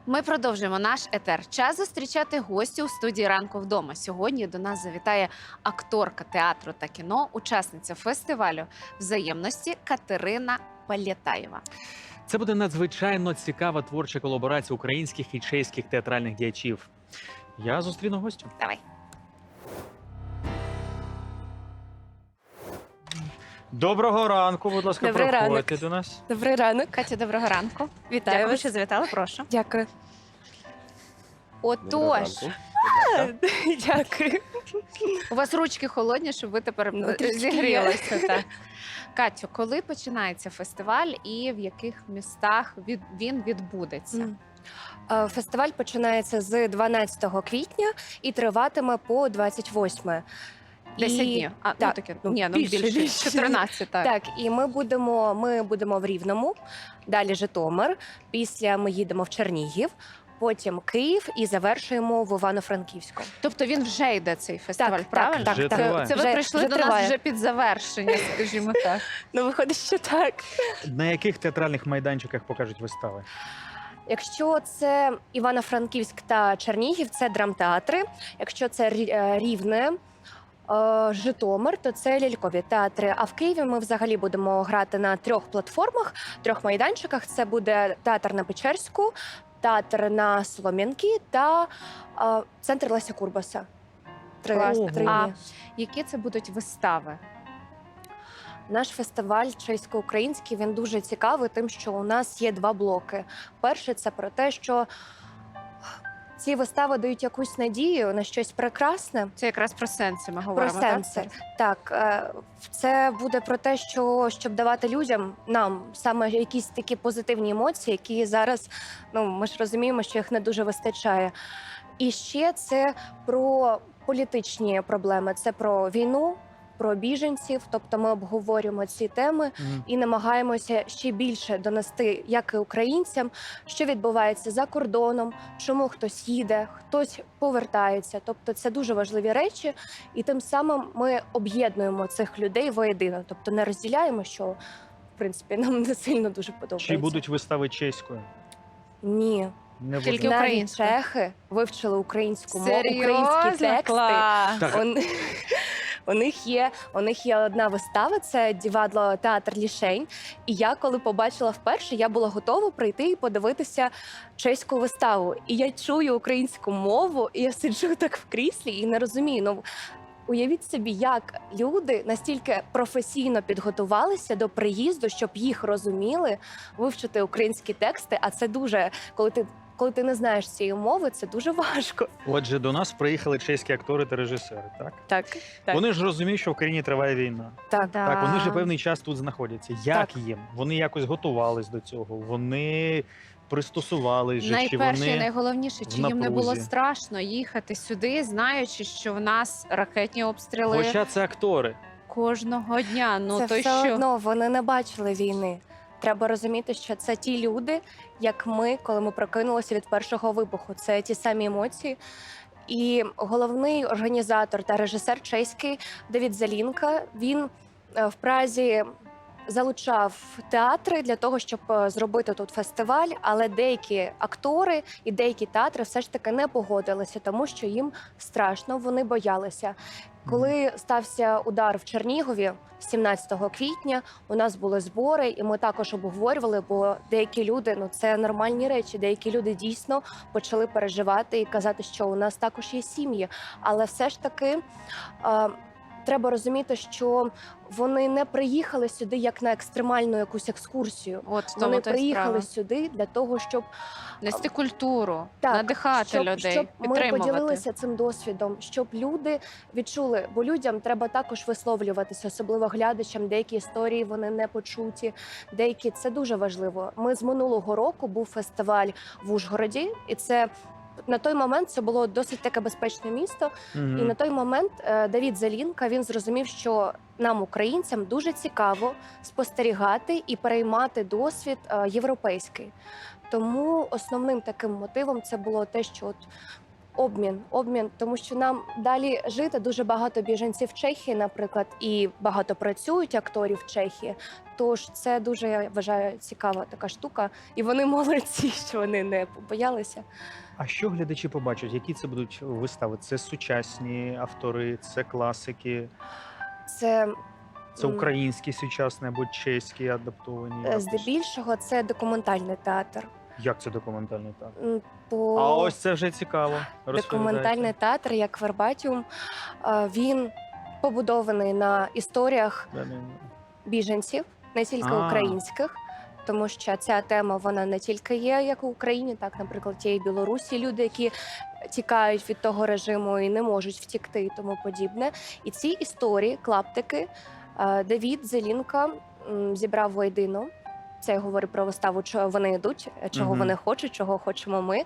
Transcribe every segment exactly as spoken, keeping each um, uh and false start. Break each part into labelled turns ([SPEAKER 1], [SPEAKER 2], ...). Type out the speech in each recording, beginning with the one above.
[SPEAKER 1] Ми продовжуємо наш етер. Час зустрічати гостю у студії «Ранку вдома». Сьогодні до нас завітає акторка театру та кіно, учасниця фестивалю взаємності Катерина Палєтаєва.
[SPEAKER 2] Це буде надзвичайно цікава творча колаборація українських і чеських театральних діячів. Я зустріну гостю.
[SPEAKER 1] Давай.
[SPEAKER 2] Доброго ранку, будь ласка,
[SPEAKER 3] Добрий
[SPEAKER 2] проходьте
[SPEAKER 3] ранок.
[SPEAKER 2] до нас.
[SPEAKER 3] Добрий ранок.
[SPEAKER 1] Катя, доброго ранку.
[SPEAKER 3] Вітаю
[SPEAKER 1] Дякую,
[SPEAKER 3] вас.
[SPEAKER 1] що завітали, прошу.
[SPEAKER 3] Дякую.
[SPEAKER 1] Отож,
[SPEAKER 3] Дякую.
[SPEAKER 1] у вас ручки холодні, щоб ви тепер
[SPEAKER 3] Ну,
[SPEAKER 1] е,
[SPEAKER 3] трішки
[SPEAKER 1] зігрілися. Так. Катю, коли починається фестиваль і в яких містах від- він відбудеться?
[SPEAKER 3] М. Е, Фестиваль починається з дванадцятого квітня і триватиме по двадцять восьме.
[SPEAKER 1] Десять
[SPEAKER 3] І-
[SPEAKER 1] днів. А, ну,
[SPEAKER 3] так,
[SPEAKER 1] таке,
[SPEAKER 3] ну,
[SPEAKER 1] ні, ну,
[SPEAKER 3] більше,
[SPEAKER 1] більше,
[SPEAKER 3] більше.
[SPEAKER 1] чотирнадцять, так.
[SPEAKER 3] Так, і ми будемо, ми будемо в Рівному, далі Житомир, після ми їдемо в Чернігів, потім Київ і завершуємо в Івано-Франківську.
[SPEAKER 1] Тобто він вже йде, цей фестиваль,
[SPEAKER 3] Так,
[SPEAKER 1] правильно?
[SPEAKER 3] так,
[SPEAKER 2] Вже
[SPEAKER 3] так,
[SPEAKER 2] триває.
[SPEAKER 1] Це ви
[SPEAKER 3] Вже-
[SPEAKER 1] прийшли
[SPEAKER 3] вже
[SPEAKER 1] до нас
[SPEAKER 3] триває.
[SPEAKER 1] вже під завершення, скажімо так.
[SPEAKER 3] Ну, виходить, що так.
[SPEAKER 2] На яких театральних майданчиках покажуть вистави?
[SPEAKER 3] Якщо це Івано-Франківськ та Чернігів, це драмтеатри. Якщо це Рі- е, Рівне, е, Житомир, то це лялькові театри. А в Києві ми взагалі будемо грати на трьох платформах, трьох майданчиках. Це буде театр на Печерську, театр на Солом'янки та е, центр Леся Курбаса. Три,
[SPEAKER 1] Класно.
[SPEAKER 3] три
[SPEAKER 1] А
[SPEAKER 3] дні.
[SPEAKER 1] які це будуть вистави?
[SPEAKER 3] Наш фестиваль чесько-український, він дуже цікавий тим, що у нас є два блоки. Перший – це про те, що ці вистави дають якусь надію на щось прекрасне.
[SPEAKER 1] Це якраз про сенси ми
[SPEAKER 3] Про
[SPEAKER 1] говоримо.
[SPEAKER 3] сенси. Так, е, це буде про те, що щоб давати людям, нам саме якісь такі позитивні емоції, які зараз, ну ми ж розуміємо, що їх не дуже вистачає. І ще це про політичні проблеми, це про війну, про біженців. Тобто ми обговорюємо ці теми
[SPEAKER 2] Мгм.
[SPEAKER 3] і намагаємося ще більше донести, як і українцям, що відбувається за кордоном, чому хтось їде, хтось повертається. Тобто це дуже важливі речі, і тим самим ми об'єднуємо цих людей воєдино. Тобто не розділяємо, що в принципі нам не сильно дуже подобається.
[SPEAKER 2] Чи будуть вистави чеською?
[SPEAKER 3] Ні.
[SPEAKER 2] Не
[SPEAKER 1] Тільки
[SPEAKER 2] буде.
[SPEAKER 3] Навіть
[SPEAKER 1] українською?
[SPEAKER 3] чехи вивчили українську мову,
[SPEAKER 1] Серйозно?
[SPEAKER 3] українські тексти.
[SPEAKER 1] Клас.
[SPEAKER 2] Так.
[SPEAKER 3] Он- У них є у них є одна вистава, це Дівадло театр Лішень. І я, коли побачила вперше, я була готова прийти і подивитися чеську виставу. І я чую українську мову, і я сиджу так в кріслі і не розумію. Ну уявіть собі, як люди настільки професійно підготувалися до приїзду, щоб їх розуміли, вивчити українські тексти. А це дуже, коли ти. Коли ти не знаєш цієї мови, це дуже важко.
[SPEAKER 2] Отже, до нас приїхали чеські актори та режисери, так?
[SPEAKER 3] Так, так,
[SPEAKER 2] Вони ж розуміють, що в країні триває війна.
[SPEAKER 3] так.
[SPEAKER 1] Да.
[SPEAKER 2] Так, вони ж певний час тут знаходяться. Як
[SPEAKER 3] Так.
[SPEAKER 2] їм? Вони якось готувались до цього, вони пристосувались же, чи
[SPEAKER 1] Найперше і
[SPEAKER 2] вони...
[SPEAKER 1] найголовніше, чи
[SPEAKER 2] в
[SPEAKER 1] їм не було
[SPEAKER 2] напрузі?
[SPEAKER 1] страшно їхати сюди, знаючи, що в нас ракетні обстріли
[SPEAKER 2] Хоча це актори.
[SPEAKER 1] кожного дня. Ну
[SPEAKER 3] це
[SPEAKER 1] то
[SPEAKER 3] все
[SPEAKER 1] що?
[SPEAKER 3] одно вони не бачили війни. Треба розуміти, що це ті люди, як ми, коли ми прокинулися від першого вибуху. Це ті самі емоції. І головний організатор та режисер чеський Давід Залінка, він е, в Празі залучав театри для того, щоб е, зробити тут фестиваль, але деякі актори і деякі театри все ж таки не погодилися, тому що їм страшно, вони боялися. Коли стався удар в Чернігові сімнадцятого квітня, у нас були збори, і ми також обговорювали, бо деякі люди, ну це нормальні речі, деякі люди дійсно почали переживати і казати, що у нас також є сім'ї. Але все ж таки е, треба розуміти, що вони не приїхали сюди як на екстремальну якусь екскурсію.
[SPEAKER 1] От в тому
[SPEAKER 3] Вони
[SPEAKER 1] то й
[SPEAKER 3] приїхали
[SPEAKER 1] справа.
[SPEAKER 3] сюди для того, щоб
[SPEAKER 1] Нести культуру,
[SPEAKER 3] Так,
[SPEAKER 1] надихати
[SPEAKER 3] щоб,
[SPEAKER 1] людей,
[SPEAKER 3] щоб ми
[SPEAKER 1] підтримувати.
[SPEAKER 3] поділилися цим досвідом, щоб люди відчули, бо людям треба також висловлюватися, особливо глядачам. Деякі історії вони не почуті, деякі це дуже важливо. Ми з минулого року був фестиваль в Ужгороді, і це на той момент це було досить таке безпечне місто.
[SPEAKER 2] Мгм.
[SPEAKER 3] І на той момент е, Давід Залінка він зрозумів, що нам, українцям, дуже цікаво спостерігати і переймати досвід е, європейський. Тому основним таким мотивом це було те, що от Обмін, обмін, тому що нам далі жити дуже багато біженців в Чехії, наприклад, і багато працюють акторів в Чехії. Тож це дуже, я вважаю, цікава така штука. І вони молодці, що вони не побоялися.
[SPEAKER 4] А що глядачі побачать? Які це будуть вистави? Це сучасні автори, це класики,
[SPEAKER 3] Це
[SPEAKER 4] це
[SPEAKER 3] м,
[SPEAKER 4] українські сучасні або чеські адаптовані?
[SPEAKER 3] е,
[SPEAKER 4] якось?
[SPEAKER 3] здебільшого це документальний театр.
[SPEAKER 4] Як це документальний театр?
[SPEAKER 3] М, По...
[SPEAKER 4] А ось це вже цікаво.
[SPEAKER 3] Документальний
[SPEAKER 4] Розповідайте.
[SPEAKER 3] театр, як Вербатіум, е, він побудований на історіях
[SPEAKER 4] Да, да, да.
[SPEAKER 3] біженців, не тільки
[SPEAKER 4] А.
[SPEAKER 3] українських, тому що ця тема вона не тільки є як в Україні, так, наприклад, є і Білорусі люди, які тікають від того режиму і не можуть втікти і тому подібне. І ці історії, клаптики, е, Давід Зелінка м, зібрав воєдино. Це я говорю про виставу, чого вони йдуть, чого
[SPEAKER 4] Мгм.
[SPEAKER 3] вони хочуть, чого хочемо ми.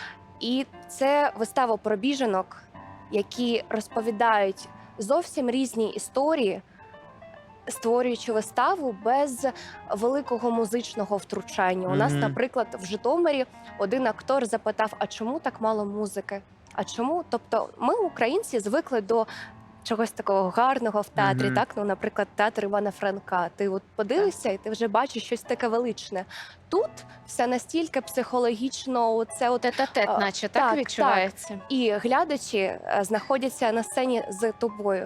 [SPEAKER 3] І це вистава про біженок, які розповідають зовсім різні історії, створюючи виставу без великого музичного втручання. У нас,
[SPEAKER 4] Мгм.
[SPEAKER 3] наприклад, в Житомирі один актор запитав: а чому так мало музики? А чому? Тобто, ми, українці, звикли до чогось такого гарного в театрі,
[SPEAKER 4] Мгм.
[SPEAKER 3] так? Ну, наприклад, театр Івана Франка. Ти от подивишся, і ти вже бачиш щось таке величне. Тут все настільки психологічно, це от
[SPEAKER 1] Тет-а-тет,
[SPEAKER 3] А,
[SPEAKER 1] наче так,
[SPEAKER 3] так,
[SPEAKER 1] відчувається.
[SPEAKER 3] і глядачі е, знаходяться на сцені з тобою.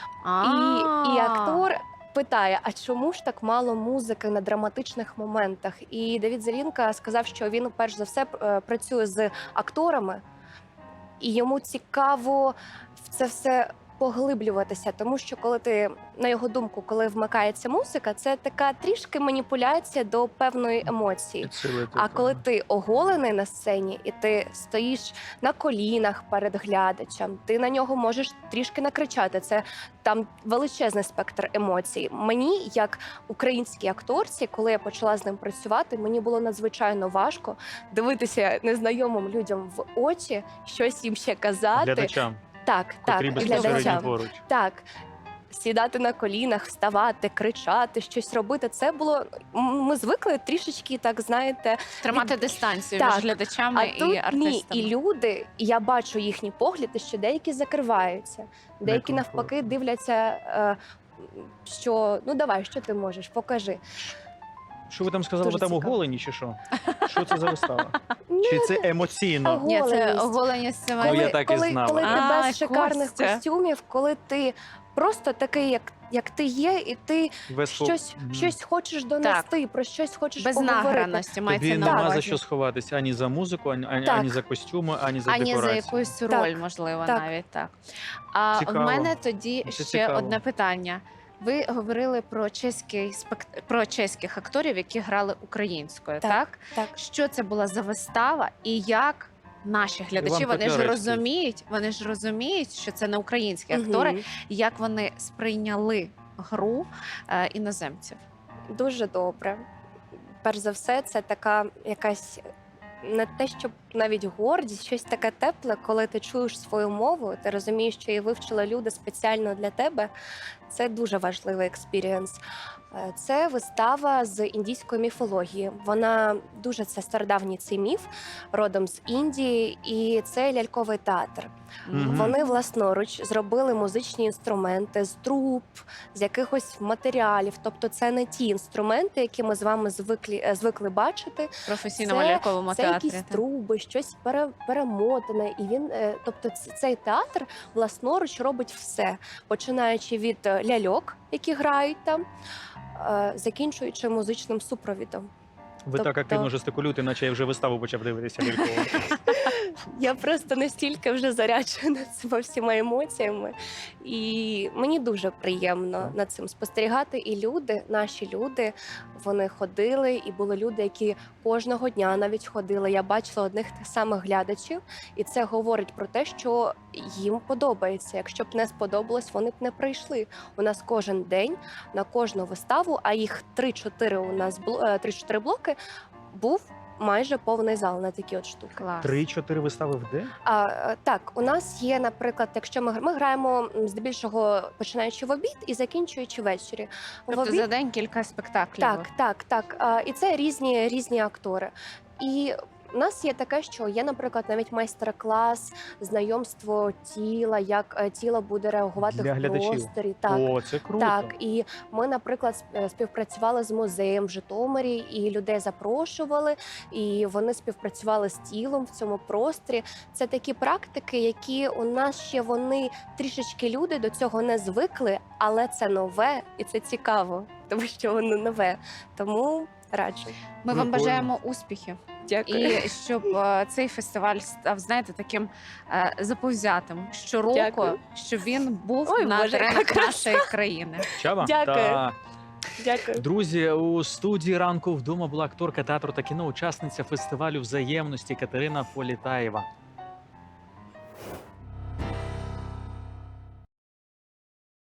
[SPEAKER 3] І, і
[SPEAKER 1] А.
[SPEAKER 3] актор питає: а чому ж так мало музики на драматичних моментах? І Давід Зелінка сказав, що він перш за все е, працює з акторами, і йому цікаво в це все поглиблюватися, тому що коли ти, на його думку, коли вмикається музика, це така трішки маніпуляція до певної емоції.
[SPEAKER 4] Підсилити,
[SPEAKER 3] А
[SPEAKER 4] так.
[SPEAKER 3] коли ти оголений на сцені і ти стоїш на колінах перед глядачем, ти на нього можеш трішки накричати. Це там величезний спектр емоцій. Мені, як українській акторці, коли я почала з ним працювати, мені було надзвичайно важко дивитися незнайомим людям в очі, щось їм ще казати.
[SPEAKER 4] Глядачам,
[SPEAKER 3] Так, так,
[SPEAKER 4] котрі безпосередньо
[SPEAKER 3] глядачам.
[SPEAKER 4] поруч.
[SPEAKER 3] Так. Сідати на колінах, вставати, кричати, щось робити. Це було. м, Ми звикли трішечки, так знаєте,
[SPEAKER 1] Тримати дистанцію
[SPEAKER 3] Так.
[SPEAKER 1] між глядачами
[SPEAKER 3] а
[SPEAKER 1] і
[SPEAKER 3] тут ні.
[SPEAKER 1] артистами.
[SPEAKER 3] І люди, і я бачу їхні погляди, що деякі закриваються, деякі
[SPEAKER 4] Некомфортно.
[SPEAKER 3] навпаки дивляться, е, що ну давай, що ти можеш, покажи.
[SPEAKER 4] Що ви там сказали?
[SPEAKER 3] Дуже
[SPEAKER 4] Ви там
[SPEAKER 3] цікаво.
[SPEAKER 4] оголені чи що? Що це за вистава?
[SPEAKER 3] Ну,
[SPEAKER 4] Чи це емоційно?
[SPEAKER 3] Ого.
[SPEAKER 1] Ні, це
[SPEAKER 3] Оголеність.
[SPEAKER 1] оголення з цими.
[SPEAKER 4] Ну, я так і
[SPEAKER 3] коли,
[SPEAKER 4] знав.
[SPEAKER 3] коли ти
[SPEAKER 1] А,
[SPEAKER 3] без шикарних
[SPEAKER 1] Костя.
[SPEAKER 3] костюмів, коли ти просто такий, як, як ти є, і ти
[SPEAKER 4] Без фо-
[SPEAKER 3] щось,
[SPEAKER 4] Мгм.
[SPEAKER 3] щось хочеш донести, про щось хочеш
[SPEAKER 1] Без
[SPEAKER 3] поговорити.
[SPEAKER 1] награності мається
[SPEAKER 4] Тобі
[SPEAKER 1] на
[SPEAKER 4] нема
[SPEAKER 1] увазі.
[SPEAKER 4] за що сховатися ані за музику, ані, ані,
[SPEAKER 3] Так.
[SPEAKER 4] ані за костюми, ані за
[SPEAKER 1] Ані за
[SPEAKER 4] декорацію.
[SPEAKER 1] якусь роль,
[SPEAKER 3] Так,
[SPEAKER 1] можливо,
[SPEAKER 3] так.
[SPEAKER 1] навіть так. А
[SPEAKER 4] Цікаво.
[SPEAKER 1] в мене тоді
[SPEAKER 4] Це
[SPEAKER 1] ще
[SPEAKER 4] цікаво.
[SPEAKER 1] одне питання. Ви говорили про чеський спект... про чеських акторів, які грали українською, так.
[SPEAKER 3] Так. Так.
[SPEAKER 1] Що це була за вистава, і як наші глядачі
[SPEAKER 4] Іван
[SPEAKER 1] вони ж
[SPEAKER 4] Котляревський.
[SPEAKER 1] розуміють, вони ж розуміють, що це не українські актори,
[SPEAKER 3] Мгм.
[SPEAKER 1] і як вони сприйняли гру е, іноземців.
[SPEAKER 3] Дуже добре. Перш за все, це така якась не те, щоб навіть гордість, щось таке тепле, коли ти чуєш свою мову, ти розумієш, що її вивчили люди спеціально для тебе. Це дуже важливий експірієнс. Е, Це вистава з індійської міфології. Вона дуже це стародавній цей міф, родом з Індії, і це ляльковий театр.
[SPEAKER 4] Мгм.
[SPEAKER 3] Вони власноруч зробили музичні інструменти з труб, з якихось матеріалів. Тобто, це не ті інструменти, які ми з вами звикли, е, звикли бачити.
[SPEAKER 1] В професійному
[SPEAKER 3] Це-
[SPEAKER 1] ляльковому
[SPEAKER 3] Це
[SPEAKER 1] театрі.
[SPEAKER 3] якісь
[SPEAKER 1] так.
[SPEAKER 3] труби, щось пере, перемотане. І він, е, тобто, ц- цей театр власноруч робить все, починаючи від е, ляльок, які грають там, е, закінчуючи музичним супровідом.
[SPEAKER 4] Ви так
[SPEAKER 3] Тобто-
[SPEAKER 4] активно жестикулюєте, наче я вже виставу почав дивитися лялькову.
[SPEAKER 3] Я просто настільки вже заряджена цими всіма емоціями, і мені дуже приємно
[SPEAKER 4] Так.
[SPEAKER 3] над цим спостерігати. І люди, наші люди, вони ходили, і були люди, які кожного дня навіть ходили. Я бачила одних тих самих глядачів, і це говорить про те, що їм подобається. Якщо б не сподобалось, вони б не прийшли. У нас кожен день на кожну виставу, а їх три-чотири у нас бло- е, три-чотири блоки, був майже повний зал на такі от штуки.
[SPEAKER 1] Клас.
[SPEAKER 4] Три-чотири вистави в день?
[SPEAKER 3] А, е, так, у нас є, наприклад, якщо ми, гр- ми граємо м, здебільшого починаючи в обід і закінчуючи ввечері. В
[SPEAKER 1] Тобто
[SPEAKER 3] обід-
[SPEAKER 1] за день кілька спектаклів.
[SPEAKER 3] так, так, так. А, і це різні, різні актори. І У нас є таке, що є, наприклад, навіть майстер-клас, знайомство тіла, як е, тіло буде реагувати
[SPEAKER 4] Для
[SPEAKER 3] в
[SPEAKER 4] глядачів.
[SPEAKER 3] просторі. Так.
[SPEAKER 4] О, це круто.
[SPEAKER 3] Так, і ми, наприклад, сп- е, співпрацювали з музеєм в Житомирі, і людей запрошували, і вони співпрацювали з тілом в цьому просторі. Це такі практики, які у нас ще вони трішечки люди до цього не звикли, але це нове і це цікаво, тому що воно нове. Тому раджу.
[SPEAKER 1] Ми вам
[SPEAKER 2] Прикольно.
[SPEAKER 1] бажаємо успіхів. І щоб е, цей фестиваль став, знаєте, таким е, заповзятим щороку,
[SPEAKER 3] Дякую.
[SPEAKER 1] щоб він був
[SPEAKER 3] Ой,
[SPEAKER 1] на
[SPEAKER 3] Боже,
[SPEAKER 1] теренах
[SPEAKER 3] яка краса.
[SPEAKER 1] нашої країни.
[SPEAKER 2] Чаба?
[SPEAKER 3] Дякую.
[SPEAKER 2] Та.
[SPEAKER 3] Дякую.
[SPEAKER 2] Друзі, у студії ранку вдома була акторка театру та кіно, учасниця фестивалю взаємності Катерина Політаєва.